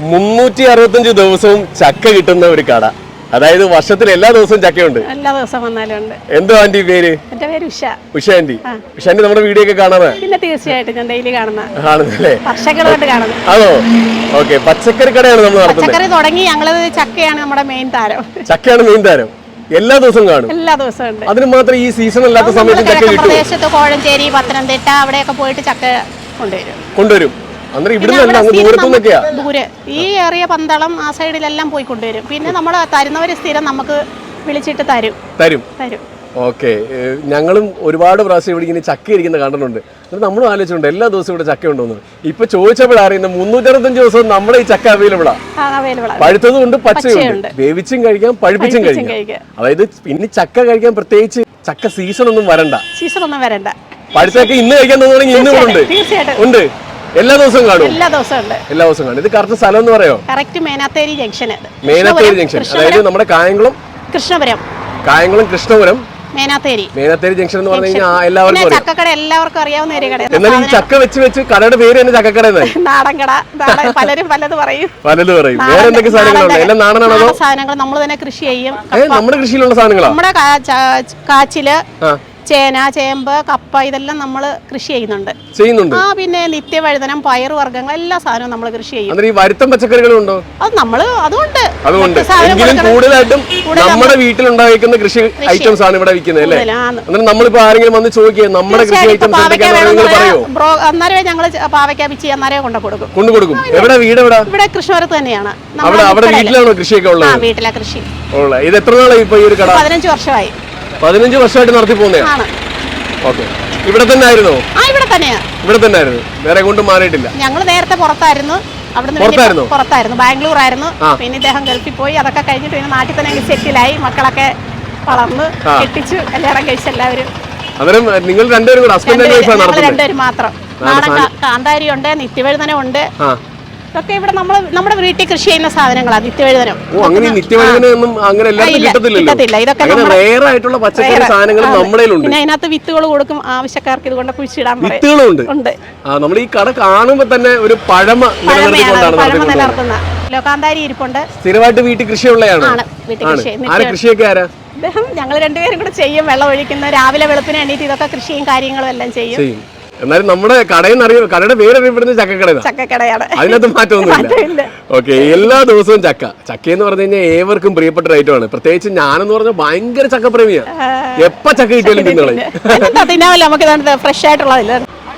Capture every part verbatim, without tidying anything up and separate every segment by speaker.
Speaker 1: മുന്നൂറ്റി അറുപത്തഞ്ച് ദിവസവും ചക്ക കിട്ടുന്ന ഒരു കട. അതായത് വർഷത്തിൽ എല്ലാ ദിവസവും ചക്കയുണ്ട്.
Speaker 2: എല്ലാ ദിവസവും വന്നാലും ഉണ്ട്.
Speaker 1: എന്തോ ആന്റി പേര്?
Speaker 2: എന്റെ പേര് ഉഷ.
Speaker 1: ഉഷ ആന്റി. ഉഷ ആന്റി നമ്മുടെ വീഡിയോ ഒക്കെ കാണാതെ?
Speaker 2: പിന്നെ തീർച്ചയായിട്ടും ഞാൻ ഡെയിലി കാണുന്ന
Speaker 1: കാണുന്നല്ലേ?
Speaker 2: വർഷങ്ങളായിട്ട് കാണുന്നു.
Speaker 1: ആണോ? ഓക്കെ. പച്ചക്കറി കടയാണ് നമ്മൾ നടത്തുന്നത്.
Speaker 2: പച്ചക്കറി തുടങ്ങി ഞങ്ങള് ചക്കയാണ് നമ്മുടെ മെയിൻ താരം.
Speaker 1: ചക്കയാണ് മെയിൻ താരം. എല്ലാ ദിവസവും കാണും.
Speaker 2: എല്ലാ ദിവസവും ഉണ്ട്.
Speaker 1: അതിന് മാത്രം ഈ സീസൺ അല്ലാത്ത സമയത്ത് ചക്ക കിട്ടും.
Speaker 2: പ്രദേശത്ത് കോഴഞ്ചേരി, പത്തനംതിട്ട അവിടെയൊക്കെ പോയിട്ട് ചക്ക കൊണ്ടുവരും.
Speaker 1: കൊണ്ടുവരും. അന്നേരം ഇവിടുന്ന് ദൂരത്തുനിന്നൊക്കെയാ.
Speaker 2: ദൂരെ ഈ ഏറിയ പന്തളം ആ സൈഡിലെല്ലാം പോയി കൊണ്ടുവരും. പിന്നെ നമ്മൾ തരുന്നവര് സ്ഥിരം നമുക്ക് വിളിച്ചിട്ട് തരും
Speaker 1: തരും
Speaker 2: തരും
Speaker 1: ഓക്കെ. ഞങ്ങളും ഒരുപാട് പ്രാവശ്യം ഇവിടെ ഇങ്ങനെ ചക്ക ഇരിക്കുന്ന കണ്ടിട്ടുണ്ട്. എന്നിട്ട് നമ്മളും ആലോചിച്ചിട്ടുണ്ട് എല്ലാ ദിവസവും ഇവിടെ ചക്ക ഉണ്ടോന്ന്. ഇപ്പൊ ചോദിച്ചപ്പോഴറിയുന്ന മുന്നൂറ്ററുപത്തഞ്ച് ദിവസവും നമ്മുടെ ഈ ചക്ക അവൈലബിളാ. പഴുത്തതും ഉണ്ട്, പച്ചയുണ്ട്. വേവിച്ചും കഴിക്കാം, പഴുപ്പിച്ചും കഴിക്കാം. അതായത് പിന്നെ ചക്ക കഴിക്കാൻ പ്രത്യേകിച്ച് ചക്ക സീസൺ ഒന്നും വരണ്ട.
Speaker 2: സീസൺ ഒന്നും വരണ്ട.
Speaker 1: പഴുത്തൊക്കെ ഇന്ന് കഴിക്കാൻ തോന്നുകയാണെങ്കിൽ ഇന്നും ഉണ്ട് ഉണ്ട് എല്ലാ ദിവസവും കാണും.
Speaker 2: എല്ലാ ദിവസവും ഉണ്ട്.
Speaker 1: എല്ലാ ദിവസവും കാണും. ഇത് കറക്റ്റ് സ്ഥലം എന്ന് പറയോ?
Speaker 2: Correct Menatheri junction.
Speaker 1: Menatheri junction അതായത് നമ്മുടെ കായംകുളം
Speaker 2: കൃഷ്ണപുരം.
Speaker 1: കായംകുളം കൃഷ്ണപുരം
Speaker 2: മേനാത്തേരി
Speaker 1: മേനാത്തേരി ജംഗ്ഷൻ എന്ന് പറഞ്ഞു കഴിഞ്ഞാൽ എല്ലാവർക്കും അറിയാം.
Speaker 2: ചക്കക്കട എല്ലാവർക്കും അറിയാവുന്ന ഒരു കട.
Speaker 1: എന്നാൽ ഈ ചക്ക വെച്ച് വെച്ച് കടയുടെ പേര് തന്നെ ചക്കക്കട എന്നായി.
Speaker 2: നാടൻ കട. പലരും പലത് പറയും.
Speaker 1: പലത് പറയും. വേറെ എന്തൊക്കെ സാധനങ്ങളുണ്ട്? എല്ലാം നാടനാണോ?
Speaker 2: സാധനങ്ങൾ നമ്മൾ തന്നെ കൃഷി ചെയ്യും.
Speaker 1: നമ്മുടെ കൃഷിയിലുള്ള സാധനങ്ങളാ.
Speaker 2: നമ്മുടെ കാച്ചില്, ചേന, ചേമ്പ്, കപ്പ ഇതെല്ലാം നമ്മൾ കൃഷി ചെയ്യുന്നുണ്ട് ചെയ്യുന്നുണ്ട് ആ പിന്നെ നിത്യവഴുതനം, പയർ വർഗ്ഗങ്ങൾ എല്ലാ സാധനവും നമ്മൾ കൃഷി ചെയ്യും.
Speaker 1: ഈ വരുത്തം പച്ചക്കറികളും ഉണ്ടോ?
Speaker 2: അത് നമ്മള് അതുകൊണ്ട്
Speaker 1: അതുകൊണ്ട് എങ്കിലും കൂടുതലായിട്ടും നമ്മുടെ വീട്ടിലുണ്ടായിരിക്കുന്ന കൃഷി ഐറ്റംസ് ആണ് ഇവിടെ വിൽക്കുന്നത് അല്ലേ? അന്നേരം നമ്മളിപ്പോ ആരെങ്കിലും വന്ന് ചോദിക്കുക നമ്മുടെ കൃഷി ഐറ്റംസ്
Speaker 2: അന്നേരം ഞങ്ങൾ പാവയ്ക്ക പിച്ചി അന്നേരം കൊണ്ടു കൊടുക്കും
Speaker 1: കൊണ്ടു കൊടുക്കും എവിടെ വീട് എവിടെ?
Speaker 2: ഇവിടെ കൃഷ്ണപുരത്ത് തന്നെയാണ്.
Speaker 1: അവിടെ വീട്ടിലാണോ കൃഷിയൊക്കെ ഉള്ളത്?
Speaker 2: വീട്ടിലെ കൃഷി.
Speaker 1: ഇത് എത്ര നാളായി ഇപ്പൊ ഈ ഒരു കട?
Speaker 2: പതിനഞ്ച് വർഷമായി.
Speaker 1: പതിനഞ്ച് വർഷമായിട്ട് നടത്തി പോകുന്നതാണ്. ഓക്കെ. ഇവിടെ തന്നെ ആയിരുന്നോ?
Speaker 2: ഇവിടെ തന്നെയാ.
Speaker 1: ഇവിടെ തന്നെ ആയിരുന്നു. വേറെ കൊണ്ട് മാറിയിട്ടില്ല.
Speaker 2: ഞങ്ങൾ നേരത്തെ പുറത്തായിരുന്നു. അവിടുന്ന് പുറത്തായിരുന്നു, ബാംഗ്ലൂർ ആയിരുന്നു. പിന്നെ ഇദ്ദേഹം ഗൾഫിൽ പോയി. അതൊക്കെ കഴിഞ്ഞിട്ട് പിന്നെ നാട്ടിൽ തന്നെ സെറ്റിലായി. മക്കളൊക്കെ വളർന്ന് കെട്ടിച്ചു, കല്യാണം കഴിച്ച് എല്ലാവരും.
Speaker 1: അന്നേരം നിങ്ങൾ രണ്ടുപേരും കൂടെ ഹസ്ബൻഡ് ആൻഡ് വൈഫ് ആണ് നടത്തുന്നത്?
Speaker 2: രണ്ടുപേരും മാത്രം. നാടൻ കാന്താരി ഉണ്ട്, നിത്യവഴുതനം ഉണ്ട്. ഇതൊക്കെ ഇവിടെ നമ്മൾ നമ്മുടെ വീട്ടിൽ കൃഷി ചെയ്യുന്ന സാധനങ്ങളാണ്. നിത്യവഴുതനം.
Speaker 1: ഓ അങ്ങനെ നിത്യവഴുതനം അങ്ങനെ എല്ലാവർക്കും കിട്ടത്തില്ലല്ലോ.
Speaker 2: ഇതൊക്കെ
Speaker 1: റെയർ ആയിട്ടുള്ള പച്ചക്കറി സാധനങ്ങൾ നമ്മുടെ ഉണ്ട്.
Speaker 2: പിന്നെ അതിനകത്ത് വിത്തുകൾ കൊടുക്കും ആവശ്യക്കാർക്ക്. ഇതുകൊണ്ട് കുഴിച്ചിടാൻ
Speaker 1: വിത്തുകളുണ്ട്. ആ നമ്മൾ ഈ കട കാണുമ്പോൾ തന്നെ ഒരു പഴമ
Speaker 2: നിലനിർത്തുന്ന കാന്താരി ഇരിപ്പുണ്ട്.
Speaker 1: സ്ഥിരമായിട്ട് വീട്ടിൽ കൃഷിയുള്ളതാണ്. ആരെ കൃഷിയൊക്കെ ആരാ?
Speaker 2: ഞങ്ങൾ രണ്ടുപേരും കൂടെ ചെയ്യും. വെള്ളം ഒഴിക്കുന്ന രാവിലെ വെളുപ്പിന് എണീറ്റ് ഇതൊക്കെ കൃഷിയും കാര്യങ്ങളും എല്ലാം ചെയ്യും.
Speaker 1: എന്നാലും നമ്മുടെ കടയെന്ന് അറിയാം, കടയുടെ പേര് അറിയപ്പെടുന്നത് ചക്കക്കടയാണ്.
Speaker 2: ചക്കക്കടയാണ്.
Speaker 1: അതിനകത്ത് മാറ്റമൊന്നുമില്ല. ഓക്കെ. എല്ലാ ദിവസവും ചക്ക ചക്ക എന്ന് പറഞ്ഞു കഴിഞ്ഞാൽ ഏവർക്കും പ്രിയപ്പെട്ട ഒരു ഐറ്റമാണ്. പ്രത്യേകിച്ച് ഞാനെന്ന് പറഞ്ഞാൽ ഭയങ്കര ചക്കപ്രേമിയാണ്. എപ്പ ചക്ക കിട്ടിയാലും തിന്നോളെ
Speaker 2: നമുക്ക് ഫ്രഷ് ആയിട്ടുള്ളതല്ലേ.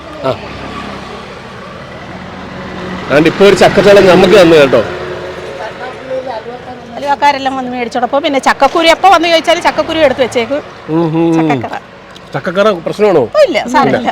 Speaker 1: അതുകൊണ്ട് ഇപ്പൊ ഒരു ചക്കച്ചോളം നമുക്ക് തന്നു കേട്ടോ.
Speaker 2: അലുവക്കാരെല്ലാം വന്ന് മേടിച്ചോടൊപ്പം പിന്നെ ചക്കക്കുരു എപ്പോ വന്ന് ചോദിച്ചാലും ചക്കക്കുരു എടുത്ത് വെച്ചേക്കും. ചക്കക്കറ
Speaker 1: ചക്കക്കറ പ്രശ്നമാണോ?
Speaker 2: ഇല്ല, സാരമില്ല.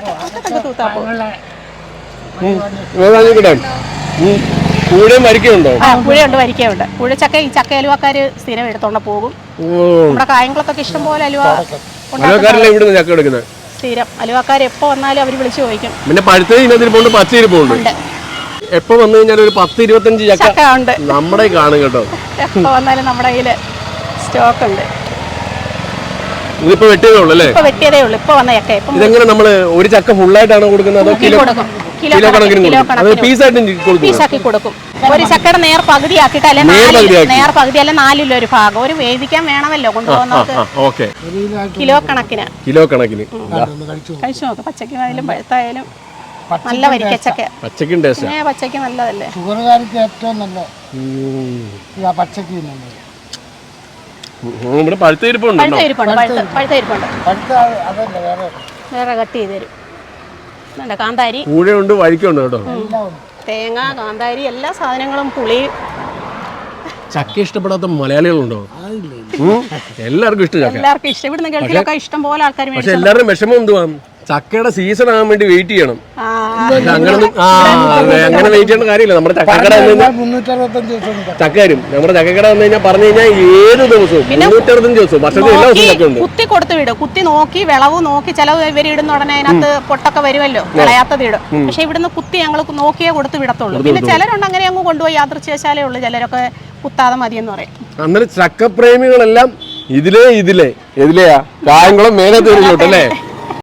Speaker 1: കൂടെയും വരിക്കുണ്ടോ?
Speaker 2: പുഴയുണ്ട്, വരിക്കുണ്ട്. പുഴ ചക്ക ഈ ചക്ക അലുവക്കാര് സ്ഥിരം എടുത്തോണ്ട് പോകും. നമ്മുടെ കായംകുളത്തൊക്കെ ഇഷ്ടം പോലെ അലുവ
Speaker 1: ചക്ക എടുക്കുന്നത്
Speaker 2: സ്ഥിരം. അലുവക്കാർ എപ്പോ വന്നാലും അവര് വിളിച്ചു ചോദിക്കും.
Speaker 1: പിന്നെ പഴുത്ത പച്ചയിരിപ്പുണ്ട്. എപ്പോ വന്നു കഴിഞ്ഞാൽ ഒരു പത്ത് ഇരുപത്തഞ്ച് ചക്ക ഉണ്ട് നമ്മുടെ കാണും കേട്ടോ.
Speaker 2: എപ്പോ വന്നാലും നമ്മുടെ കയ്യില് സ്റ്റോക്ക് ഉണ്ട്.
Speaker 1: ഇതിപ്പോ വെട്ടിയതേ ഉള്ളൂ അല്ലേ?
Speaker 2: ഇപ്പൊ വെട്ടിയതേ ഉള്ളൂ. ഇപ്പൊ വന്ന ചക്ക.
Speaker 1: ഇതെങ്ങനെ നമ്മള് ഒരു ചക്ക ഫുള്ളായിട്ടാണോ കൊടുക്കുന്നത് അതോ കിലോ കിലോ കണക്കിന്
Speaker 2: പീസാക്കി കൊടുക്കും? ഒരു ചക്കയുടെ നേർ പകുതി ആക്കിയിട്ട് അല്ലെ നേർ പകുതി അല്ലെ നാലിലോ ഒരു ഭാഗം ഒരു വേദിക്കാൻ വേണമല്ലോ കൊണ്ടുപോകുന്നത്. കിലോ കണക്കിന് കിലോ കണക്കിന് കഴിച്ചു നോക്ക്. പച്ചക്കായാലും പഴുത്തായാലും നല്ല വരിക്കച്ചക്ക.
Speaker 1: പച്ചക്കും ടേസ്റ്റ്.
Speaker 2: പച്ചക്ക് നല്ലതല്ലേ?
Speaker 3: ഷുഗറുകാർക്ക് ഏറ്റവും നല്ല പച്ചക്ക് നല്ലത്.
Speaker 2: വേറെ കട്ട് ചെയ്ത് തരും. കാന്താരി
Speaker 1: കൂടെയുണ്ട്, വഴിക്കുണ്ട് കേട്ടോ.
Speaker 2: തേങ്ങ, കാന്താരി എല്ലാ സാധനങ്ങളും. പുളി.
Speaker 1: ചക്ക ഇഷ്ടപ്പെടാത്ത മലയാളികളുണ്ടോ? എല്ലാവർക്കും ഇഷ്ടം ചക്ക.
Speaker 2: എല്ലാവർക്കും ഇഷ്ടം. ഇവിടുന്ന് ഗൾഫിലൊക്കെ ഇഷ്ടം പോലെ ആൾക്കാർ.
Speaker 1: പക്ഷെ എല്ലാവരും വിഷമം എന്തുവാ? ചക്കയുടെ സീസൺ ആകാൻ വേണ്ടി വെയിറ്റ് ചെയ്യണം. അങ്ങനെ അങ്ങനെ വെയിറ്റ് ചെയ്യേണ്ട കാര്യമില്ല. നമ്മുടെ ചക്കക്കട ചക്കരും നമ്മുടെ ചക്കക്കട വന്നു കഴിഞ്ഞാൽ പറഞ്ഞു കഴിഞ്ഞാൽ ഏത് ദിവസവും മുന്നൂറ്ററുപത്തഞ്ച് ദിവസവും വർഷത്തിൽ എല്ലാ ദിവസവും ചക്ക ഉണ്ട്.
Speaker 2: കുത്തി കൊടുത്ത് വിടും. കുത്തി നോക്കി വിളവ് നോക്കി ചില ഇവർ ഇടുന്ന ഉടനെ അതിനകത്ത് പൊട്ടൊക്കെ വരുമല്ലോ, വിളയാത്തത് ഇടും. പക്ഷെ ഇവിടുന്ന് കുത്തി ഞങ്ങൾ നോക്കിയേ കൊടുത്ത് വിടത്തുള്ളൂ. പിന്നെ ചിലരുണ്ട് അങ്ങനെ അങ്ങ് കൊണ്ടുപോയി യാദൃച്ഛവശാലേ ഉള്ളൂ. ചിലരൊക്കെ കുത്താതെ മതിയെന്ന് പറയും.
Speaker 1: അന്നേരം ചക്കപ്രേമികളെല്ലാം ഇതിലേ ഇതിലേ ഇതിലെയാ കായംകുളം മേനത്തേരിലോട്ടല്ലേ?